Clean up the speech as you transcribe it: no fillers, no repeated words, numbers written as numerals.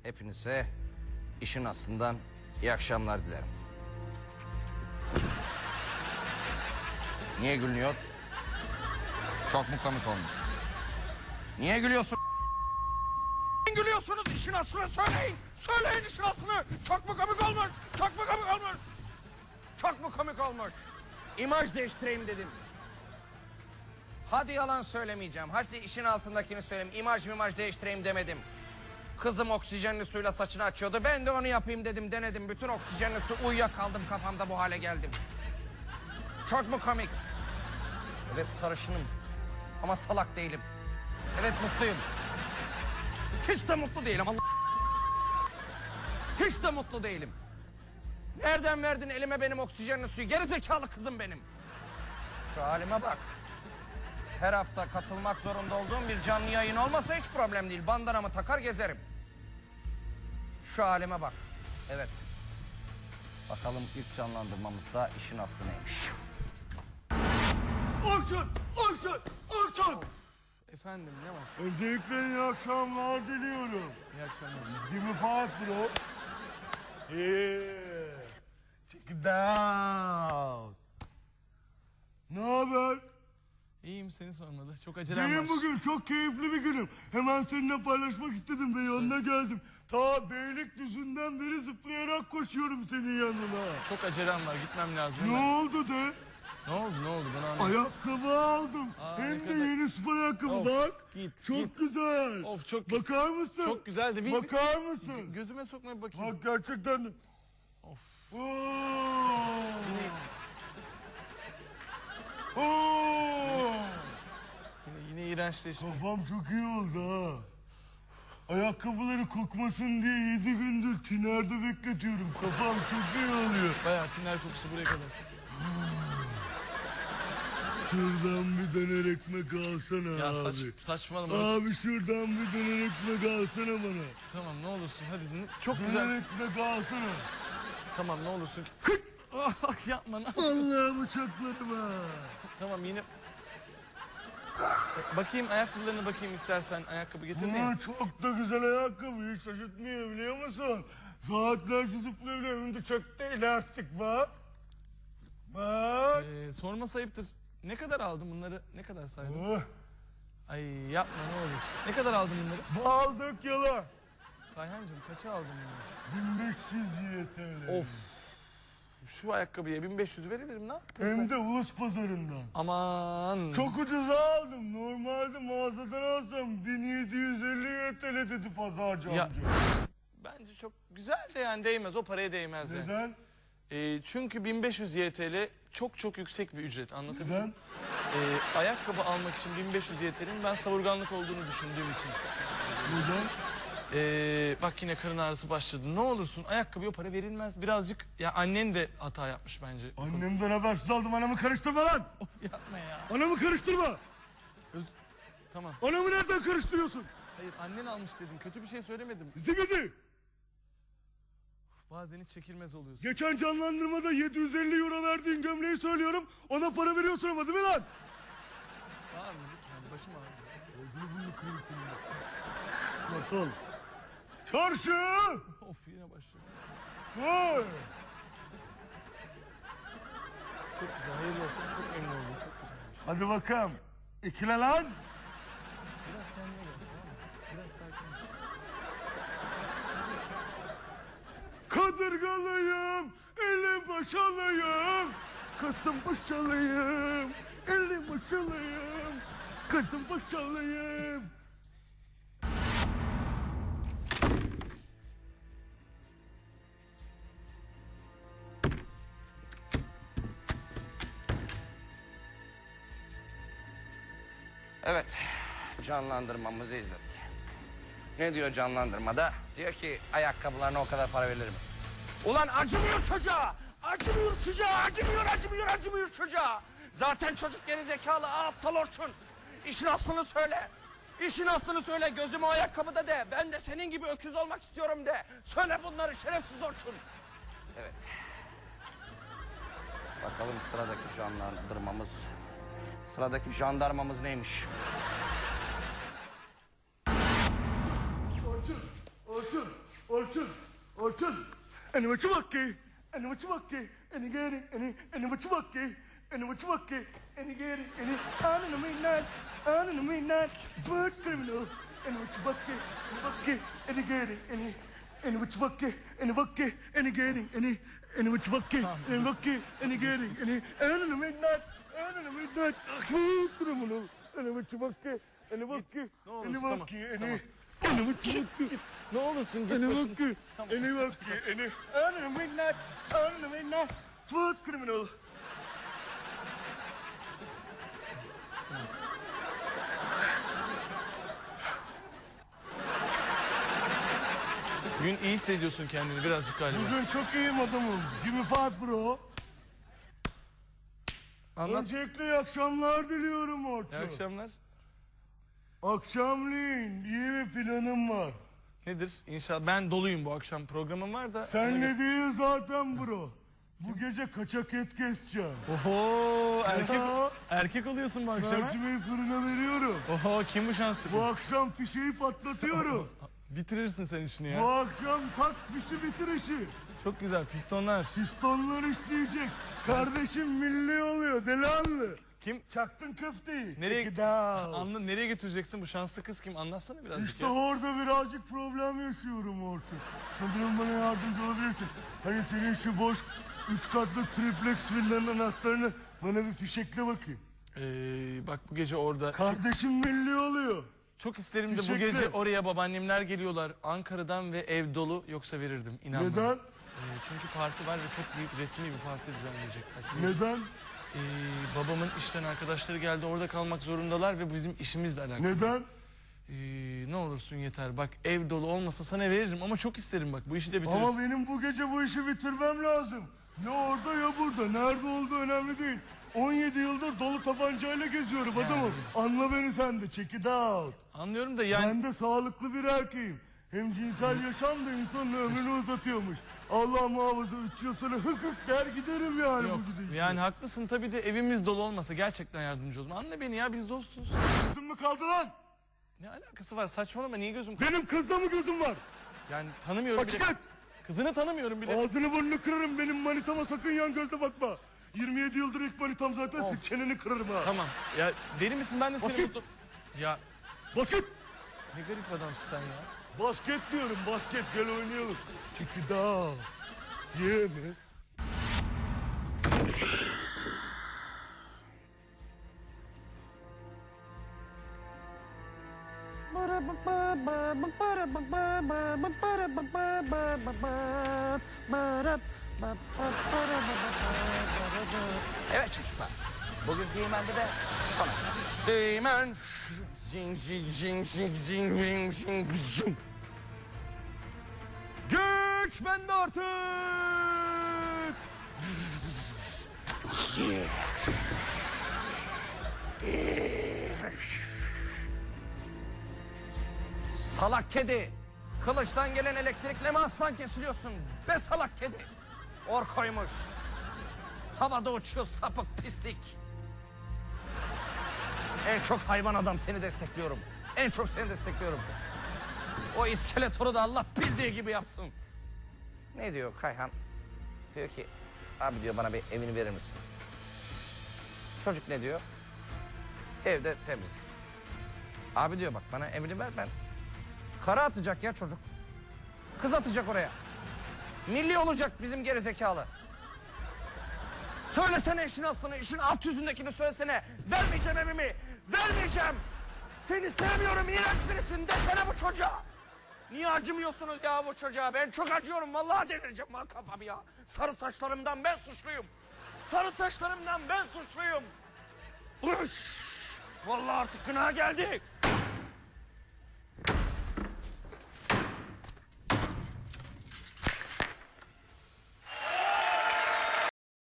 Hepinize işin aslından iyi akşamlar dilerim. Niye gülüyor? Çok mu komik olmuş? Niye gülüyorsun? Gülüyorsunuz, işin aslını söyleyin. Söyleyin işin aslını. Çok mu komik olmuş? Çok mu komik olmuş? Çok mu komik olmuş? İmaj değiştireyim dedim. Hadi yalan söylemeyeceğim. Hadi işin altındakini söyleyeyim. İmaj değiştireyim demedim. Kızım oksijenli suyla saçını açıyordu. Ben de onu yapayım dedim, denedim. Bütün oksijenli su uyuyakaldım, kafamda bu hale geldim. Çok mu komik? Evet, sarışınım ama salak değilim. Evet, mutluyum. Hiç de mutlu değilim. Hiç de mutlu değilim. Nereden verdin elime benim oksijenli suyu? Gerizekalı kızım benim. Şu halime bak. Her hafta katılmak zorunda olduğum bir canlı yayın olmasa hiç problem değil. Bandanamı takar gezerim. Şu halime bak. Evet. Bakalım ilk canlandırmamızda işin aslı neymiş? Orçun! Efendim, ne var? Öncelikle iyi akşamlar diliyorum. İyi akşamlar. Give me five bro. Yeah. Check it out. Ne haber? İyiyim, seni sormalı. Çok acelem var. Benim bugün çok keyifli bir günüm. Hemen seninle paylaşmak istedim ve yanına geldim. Ta Beylikdüzü'nden beri zıplayarak koşuyorum senin yanına. Çok acelem var, gitmem lazım. Ne hemen. oldu de? Ne oldu bana anlat. Ayakkabı aldım. Aa, Hem ne de kadar- yeni spor ayakkabı Of, bak. git, Çok git. güzel. Of, çok Bakar mısın? Çok güzeldi. Bir Bakar mısın? gözüme sokmaya bir bakayım. Bak gerçekten. Of. Oo. Yine, Oo. yine iğrençleşti. Kafam çok iyi oldu ha. Ayakkabıları kokmasın diye 7 gündür tinerde bekletiyorum. Kafam çok iyi oluyor. Bayağı tiner kokusu buraya kadar. Şuradan bir döner ekmek alsana Ya abi. saçmalama. Abi şuradan bir döner ekmek alsana bana. Tamam, ne olursun hadi. Çok Döner güzel. ekmek alsana. Tamam, ne olursun. Yapma. Allah'ım uçakladım ha. Tamam, yine. Bakayım ayakkabılarına bakayım istersen. Ayakkabı getireyim. Aa, çok da güzel ayakkabı. Hiç şaşırtmıyor biliyor musun? Saatlerce zıplayabiliyorum. Hem de çok da elastik bak. Bak. Sorma sayıptır. Ne kadar aldın bunları? Ne kadar saydın? Oh, Ay yapma, ne olur. Ne kadar aldın bunları? aldık yala. Kayhancığım, kaça aldın bunları? 1500 YTL. Of. Şu ayakkabıya 1500 veririm, ne yaptın Hem sen? de ulus pazarından. Aman. Çok ucuza aldım. Normalde mağazadan alsam 1750 YTL dedi pazarcı Ya- amca. Bence çok güzel de yani değmez. O paraya değmez yani. Neden? Çünkü 1500 YTL çok yüksek bir ücret, anlatabiliyor Neden? muyum? Ayakkabı almak için 1500 YTL'nin ben savurganlık olduğunu düşündüğüm için. Neden? Bak yine karın ağrısı başladı. Ne olursun ayakkabıya o para verilmez. Birazcık ya, annen de hata yapmış bence. Annemden habersiz aldım. Anamı karıştırma lan. Of, yapma ya. Anamı karıştırma. Tamam. Anamı nereden karıştırıyorsun? Hayır, annen almış dedim. Kötü bir şey söylemedim. Zibidi. Bazen hiç çekilmez oluyorsun. Geçen canlandırmada 750 euro verdiğin gömleği söylüyorum. Ona para veriyorsun ama değil mi lan? Tamam mı? Lütfen, başım ağrıyor. Olduğunu bunu kırıp Bakalım. Çarşı. Of, yine başladı. Vay. Çok güzel, hayırlı olsun. Çok memnun oldum. Çok güzelmiş. Hadi bakalım. İkile lan. Biraz kendine gel, tamam mı? Biraz sakin ol. Kadırgalıyım. Eli başalıyım. Kasım başalıyım. Eli başalıyım. Kasım başalıyım. Evet, canlandırmamızı izledik. Ne diyor canlandırmada? Diyor ki ayakkabılarına o kadar para verilir mi? Ulan acımıyor çocuğa! Acımıyor çocuğa! Zaten çocuk gerizekalı, aptal Orçun. İşin aslını söyle. İşin aslını söyle, gözüm o ayakkabıda de. Ben de senin gibi öküz olmak istiyorum de. Söyle bunları şerefsiz Orçun. Evet. Bakalım sıradaki canlandırmamız. Sıradaki jandarmamız neymiş? Orçun, Orçun. Orçun. Hani maçı bak ki. Hani maçı bak ki. Hani geri. Hani maçı bak ki. Hani maçı bak ki. Hani geri. Hani anını minnet. Anını minnet. First criminal. Hani maçı bak ki. Hani bak ki. Hani geri. Hani maçı bak ki. Hani bak ki. Hani geri. Hani maçı bak ki. Hani bak ki. Hani geri. Anını minnet. Anını minnet. First criminal. Hani maçı bak ki. Hani bak ki. Ne olursun, Hani tamam, bak ki. tamam. Hani bak ki. Ne olursun git Ene başım. bak ki, ene bak ki, ene. Anını minnet, food criminal. Bugün iyi hissediyorsun kendini birazcık galiba. Bugün çok iyiyim adamım. Give me five bro. Anlat. Öncelikle iyi akşamlar diliyorum Orçun. İyi akşamlar. Akşamleyin iyi bir planım var. Nedir? İnşallah ben doluyum bu akşam. Programım var da. Sen ne değil zaten bro. Bu gece kaçak et keseceğim. Oho erkek, Ya. erkek oluyorsun bu akşam. ha? Mercimeği fırına veriyorum. Oho kim bu şanslı? Bu akşam fişeyi patlatıyorum. Bitirirsin sen işini Bu ya. akşam tak fişi bitir işi. Çok güzel pistonlar. Pistonlar işleyecek. Kardeşim milli oluyor delihanlı. Kim? Çaktın köfteyi. Nereye, Check it out. Anla, nereye götüreceksin bu şanslı kız kim? Anlatsana birazcık İşte ya. orada birazcık problem yaşıyorum Orçun. Sanırım bana yardımcı olabilirsin. Hani senin şu boş 3 katlı triplex villanın anahtarını bana bir fişekle bakayım. Bak bu gece orada. Kardeşim milli oluyor. Çok isterim de bu Fişekle. gece oraya babaannemler geliyorlar. Ankara'dan ve ev dolu yoksa verirdim. İnan bana. Neden? Çünkü parti var ve çok büyük resmi bir parti düzenleyecekler. Neden? Babamın işten arkadaşları geldi orada kalmak zorundalar ve bu bizim işimizle alakalı. Neden? Ne olursun yeter. Bak ev dolu olmasa sana veririm ama çok isterim bak bu işi de bitiririz. Ama benim bu gece bu işi bitirmem lazım. Ya orada ya burada. Nerede olduğu önemli değil. 17 yıldır dolu tabancayla geziyorum adamım. Anla beni sen de. Check it out. Anlıyorum da yani Ben de sağlıklı bir erkeğim. Hem cinsel yaşam da insanın ömrünü uzatıyormuş. Allah muhafaza 3 yıl sonra hık hık der giderim yani yok. bu gidişle. Yani haklısın tabii de evimiz dolu olmasa gerçekten yardımcı olun. Anla beni ya biz dostuz. Gözüm mü kaldı lan? Ne alakası var saçmalama niye gözüm Benim kızda mı gözüm var? Yani tanımıyorum Açık bile. et. Kızını tanımıyorum bile. Ağzını burnunu kırarım benim manitama sakın yan gözle bakma. 27 yıldır ilk manitam zaten senin çeneni kırarım ha. Tamam ya deli misin ben de seni Basket. mutlu... Ya Basket. ne garip adamsın sen ya. Basket diyorum basket gel oynayalım. Check it out. Yeah man. Evet çocuklar. Bugünkü Yemen'de de sana. Yemen. Zing zing zing zing zing zing zing zing. Güç bende artık. Salak kedi. Kılıçtan gelen elektrikle mi aslan kesiliyorsun? Be salak kedi. Or koymuş. Havada uçuyor sapık pislik. En çok hayvan adam seni destekliyorum. En çok seni destekliyorum. O iskeletoru da Allah bildiği gibi yapsın. Ne diyor Kayhan? Diyor ki abi diyor bana bir evini verir misin? Çocuk ne diyor? Evde temiz. Abi diyor bak bana evini ver ben. Kara atacak ya çocuk. Kız atacak oraya. Milli olacak bizim gerizekalı. Söylesene işin aslını, işin alt yüzündekini söylesene. Vermeyeceğim evimi, vermeyeceğim. Seni sevmiyorum, iğrenç birisin desene bu çocuğa. Niye acımıyorsunuz ya bu çocuğa? Ben çok acıyorum, vallahi delireceğim lan kafamı ya. Sarı saçlarımdan ben suçluyum. Sarı saçlarımdan ben suçluyum. Uş! Vallahi artık günaha geldik.